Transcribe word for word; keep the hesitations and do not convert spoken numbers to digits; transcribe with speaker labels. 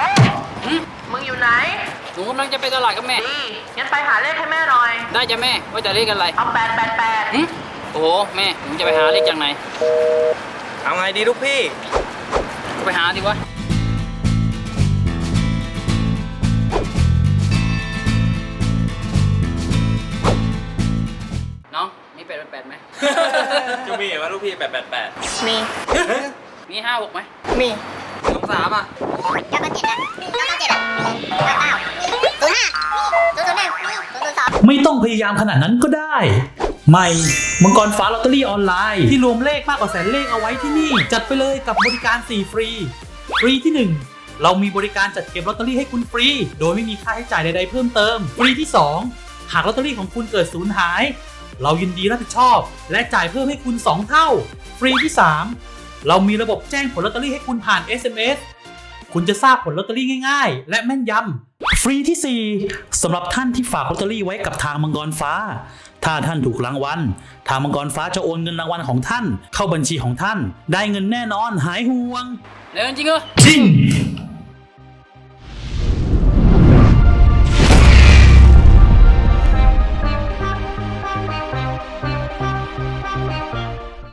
Speaker 1: หืม
Speaker 2: มึงอยู่ไหน
Speaker 1: หนูกำลังจะไปตลาดกับแม่
Speaker 2: ดีงั้นไปหาเลขให้แม่หน่อย
Speaker 1: ได้จ้ะแม่ว่าจะเลขอะไร
Speaker 2: เอาแปดแปดแปด
Speaker 1: หืมโอ้โหแม่หนูจะไปหาเลขจากไหน
Speaker 3: เอาไงดีลูกพี่
Speaker 1: ก็ไปหาดิวะน้องมีแปดแปดไหม
Speaker 3: จะมีว่าลูกพี่แปดแปดแปด
Speaker 2: มี
Speaker 1: มีห้าหกไหม
Speaker 2: มี
Speaker 3: สองสามอ่ะ
Speaker 4: เก้าเก้าเจ็ดอ่ะเก้าเก้าเจ็ดอ่ะเก้าเก้าศูนย์ห้าศูนย์ศูนย์หนึ่งศูนย์ศูนย์สอง
Speaker 5: ไม่ต้องพยายามขนาดนั้นก็ได้ ใหม่มังกรฟ้าลอตเตอรี่ออนไลน์ที่รวมเลขมากกว่าแสนเลขเอาไว้ที่นี่ จัดไปเลยกับบริการสี่ฟรี ฟรีที่หนึ่งเรามีบริการจัดเก็บลอตเตอรี่ให้คุณฟรี โดยไม่มีค่าใช้จ่ายใดๆเพิ่มเติม ฟรีที่สองหากลอตเตอรี่ของคุณเกิดสูญหาย เรายินดีรับผิดชอบ และจ่ายเพิ่มให้คุณสองเท่า ฟรีที่สามเรามีระบบแจ้งผลลอตเตอรี่ให้คุณผ่าน เอส เอ็ม เอส คุณจะทราบผลลอตเตอรี่ง่ายๆ และแม่นยำ ฟรีที่สี่สำหรับท่านที่ฝากลอตเตอรี่ไว้กับทางมังกรฟ้า ถ้าท่านถูกรางวัลทางมังกรฟ้าจะโอนเงินรางวัลของท่าน เข้าบัญชีของท่าน ได้เงินแน่นอนหายห่วง
Speaker 1: แล้วจริงเหรอ
Speaker 5: จริง